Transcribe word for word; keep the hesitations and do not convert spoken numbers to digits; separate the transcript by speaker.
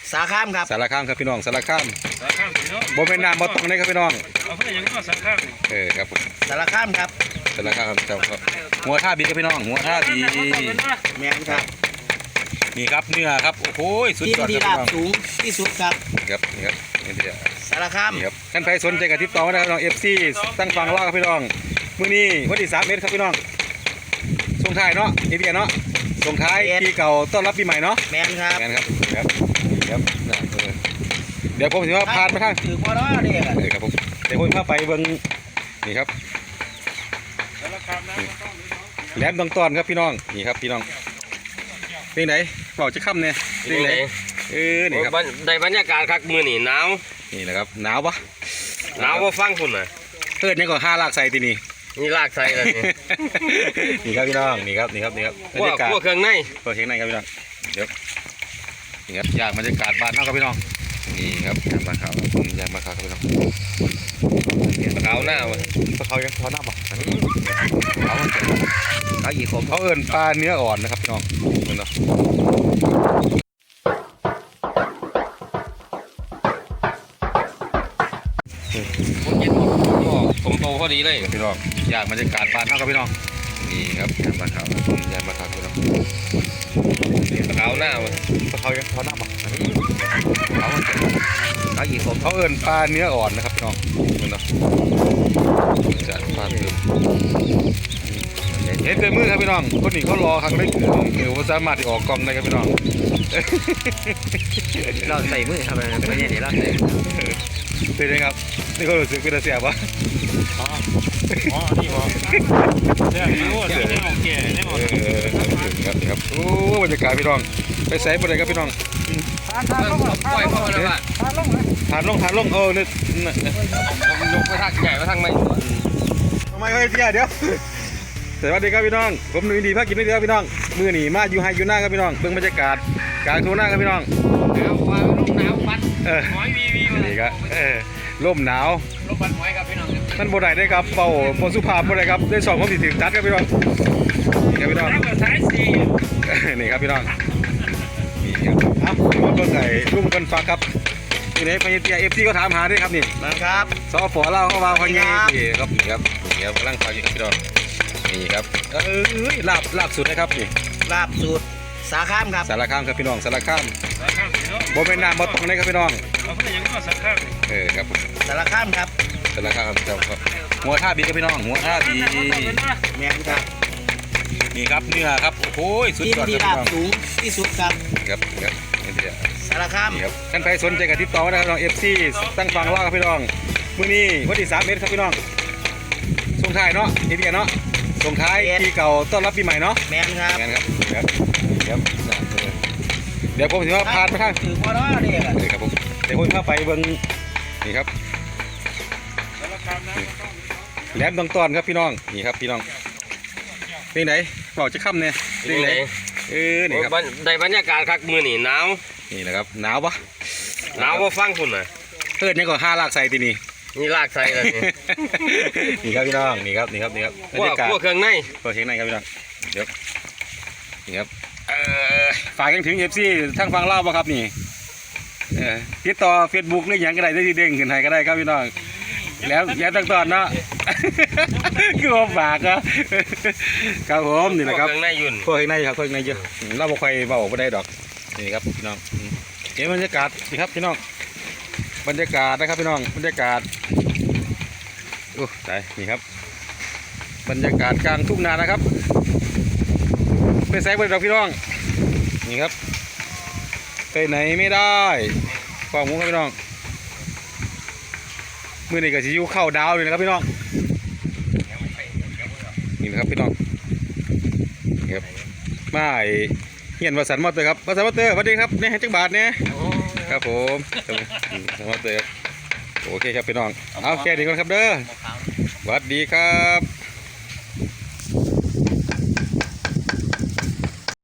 Speaker 1: สารคามครับ
Speaker 2: สารคามครับพี่น้องสารคาม
Speaker 3: สารคามพี่น้อง
Speaker 2: บ่เป็นน้ำบ่ตรงนี้ครับพี่น้อง
Speaker 3: เอาเพื่อนยังก็สารคาม
Speaker 2: เออครับผม
Speaker 1: สารคามครับ
Speaker 2: สารคามครับหัวท่าบีครับพี่น้องหัวท่าบี
Speaker 1: แมนครับ
Speaker 2: นี่ครับเนื้อครับโอ้โหสุด
Speaker 1: ที่
Speaker 2: ยอด
Speaker 1: ดี
Speaker 2: ครับ
Speaker 1: ราบสูงที่สุดครับ
Speaker 2: ครับนี่ครับนี่เดียว
Speaker 1: สารคาม
Speaker 2: นี่ครับท่านใครสนใจกับทิปต่อมาได้ครับพี่น้องเอฟซีตั้งฟังเล่าครับพี่น้องมื้อนี้วันที่สามเมตรครับพี่น้องส่งท้ายเนาะเอพีเนาะส่งท้ายปีเก่าต้อนรับปีใหม่เนาะ
Speaker 1: แมนครับ
Speaker 2: แมนครับครับครับเดี๋ยวผมถือว่าผ่านมาทาง
Speaker 1: ถือพอแล้วเนี่ย
Speaker 2: เออครับผมเดี๋ยวผมพาไปเบิ่งนี่ครับ
Speaker 3: สารคามนะ
Speaker 2: แหลมดงตอนครับพี่น้องนี่ครับพี่น้องเป็นไหนบอกจะค่ำเนี่ยเป็นไหนเออนี่ครับ
Speaker 4: ได้บรรยากาศคักมือนี่หนาว
Speaker 2: นี่แหละครับหนาวปะ
Speaker 4: หนาวว่าฟังคุณน่ะ
Speaker 2: เกิดยังก็ห้าลากใส่ตีนี่
Speaker 4: นี่ลากใส่เลยนี่
Speaker 2: นี่ครับพี่น้องนี่ครับนี่ครับนี่ครับบร
Speaker 4: พว
Speaker 2: ร
Speaker 4: ก
Speaker 2: ยากาศ
Speaker 4: พวกเครื่องใน
Speaker 2: พวกเครื่องในครับพี่น้องเดี๋ยวนี่ครับอยากบรรยากาศบ้านเฮาครับพี่น้องนี่ครับอยากมาข่าวอยากมาข่าวครับพี่น้อง
Speaker 4: ขาวหน้าวะ
Speaker 2: เขายังเขาหน้าบ่เขาเขาอีกผมเขาเอิ้นปลาเนื้ออ่อนนะครับพี่น้องเนาะ
Speaker 4: ผมเย็นผมโตพอดีเลย
Speaker 2: พี่น้องอยากบรรยากาศบ้านเฮาครับพี่น้องนี่ครับอยากมาข่าวอยากมาข่าวพี่น้อง
Speaker 4: ขาวหน้าวะ
Speaker 2: เขายังเขาหน้าบ่เขาเขาอีกผมเขาเอิ้นปลาเนื้ออ่อนนะครับพี่น้องเนาะจัดปลาเติมเห็นเต็มมือครับพี่น้องคนนี้เขารอครั้งแรกเออว่าสามารถที่ออกกล้องได้ครับพี่น้อง
Speaker 1: เราใส่มือทำอะไรไม่ใช่เดี๋ยวเราใส่
Speaker 2: เป็นไงครับนี่ก็รู้สึกเป็นเสียบวะ
Speaker 3: อ๋ออ๋อนี่บ่เสียพี่โอ้เสียนี่โอเคนี่หมด
Speaker 2: ครับครับโอ้บรรยากาศพี่น้องไปใส่บนไหนครับพี่น้อง
Speaker 4: ทานลงปล่อยพ่อเลยว่ะ
Speaker 2: ทานลงทานลงทานลงเออเนี่ย
Speaker 4: ผมยกไปทางใหญ่ไปทางไม่
Speaker 2: ทำไมไม่เสียเดี๋ยวสวัสดีครับพี่น้องผมหนุ่ยดีภาคกินได้ครับพี่น้องมือหนีมาอยู่ไฮอยู่หน้าครับพี่น้องเบิ่งบรรยากาศกลางทุ่งนาครับพี่น้อง
Speaker 4: หนาวฟ้าลมหนาวปัด
Speaker 2: เออ
Speaker 4: หอยวีวี
Speaker 2: นี่ครับเออลมหนาว
Speaker 4: ลมปัดหอยครับพี่น้อง
Speaker 2: มันบ่ได้ได้ครับเป่าโพสุภาพบ่ได้ครับได้สองความสิถึงจัดครับพี่น้องนี่ครับพี่น้อง
Speaker 4: สายสี่
Speaker 2: นี่ครับพี่น้องนี่ครับอ้าวรถเบิ่งไอ้รุ่มกันฟักครับนี่เลยพญเตียเอฟซีก็ถามหาด้วยครับนี่
Speaker 1: นะครับ
Speaker 2: สอฝอเล่าเข้ามาพญเตียครับนี่ครับนี่ครับกำลังฟังอยู่ครับพี่น้องนี่ครับเออลาบลาบสุดนะครับนี่
Speaker 1: ลาบสูตรสารคามครับ
Speaker 2: สารคามครับพี่น้องสารคาม
Speaker 3: สารคามพี่น้อง
Speaker 2: บ่เป็นน้ำบ่ตรงนี้ครับพี่น้อง
Speaker 3: เอาเพื่อนยังก็สารคาม
Speaker 2: เออครับผม
Speaker 1: สารคามครับ
Speaker 2: สารคามครับหัวท่าบีครับพี่น้องหัวท่าบี
Speaker 1: แมนครับ
Speaker 2: นี่ครับเนื้อครับโอ้โหสุด
Speaker 1: ที่
Speaker 2: ยอด
Speaker 1: ดี
Speaker 2: ครับ
Speaker 1: รา
Speaker 2: พี่น้อง
Speaker 1: บสูงที่สุดครับ
Speaker 2: ครับครับนี่เดียว
Speaker 1: สารคาม
Speaker 2: นี่ครับท่านใครสนใจกับทิปต่อมาได้ครับพี่น้องเอฟซีตั้งฟังเล่าครับพี่น้องมื้อนี้วันที่สามเมตรครับพี่น้องส่งท้ายเนาะเอพีเนาะส่งท้ายปีเก่าต้อนรับปีใหม่เนาะ
Speaker 1: แมนครับ
Speaker 2: งั้นครับครับครับเดี๋ยวผมถือว่าผ่านมาทาง
Speaker 1: ถือพอแล้วเนี่ย
Speaker 2: เออครับผมเดี๋ยวผมพาไปเบิ่งนี่ครับ
Speaker 3: สารคามนะ
Speaker 2: แหลมดงตอนครับพี่น้องนี่ครับพี่น้องเป็นไหนบอกจะค่ำเนี่ยเป็นไหนเออนี่ครับ
Speaker 4: ได้บรรยากาศคักมือนี่หนาว
Speaker 2: นี่แหละครับหนาวปะ
Speaker 4: หนาวว่าฟังคุณน่ะ
Speaker 2: เกิดยังก็ห้าลากใส่ตีนี่
Speaker 4: นี่ลากใส่เลยนี่
Speaker 2: นี่ครับพี่น้องนี่ครับนี่ครับนี่ครับ
Speaker 4: พวกพวกเครื่องใน
Speaker 2: พวกเครื่องในครับพี่น้องเดี๋ยวนี่ครับเอ่อฝากยังถึงเอฟซีทั้งฟังเล่าป่ะครับนี่เออติดต่อเฟซบุ๊กนี่ยังก็ได้ได้ที่เด้งขึ้นให้ก็ได้ครับพี่น้องแล้วแล้วตั้งตอนเนาะคือว่าฝากครับครับผมนี่แหละครับ
Speaker 4: เครื่องในยุ่น
Speaker 2: พวกเครื่องในครับพวกเครื่องในเยอะเราบ่ค่อยเบาไม่ได้ดอกนี่ครับพี่น้องเห็นบรรยากาศนี่ครับพี่น้องบรรยากาศนะครับพี่น้องบรรยากาศโอ้ตายนี่ครับบรรยากาศกลางทุ่งนานะครับไปแซงไปดอกพี่น้องนี่ครับไปไหนไม่ได้ฟังมุ้งครับพี่น้องมือนี่ก็จะอยู่เข้าดาวเลยนะครับพี่น้องนี่นะครับพี่น้องนี่ครับมาเฮียนวสันมอเตอร์ครับวสันมอเตอร์สวัสดีครับเนี่ยจักบาทเนี่ยครับผมสวัสดีครับโอเคครับพี่น้องเอาแค่นี้ก่อนครับเด้อสวัสดีครับ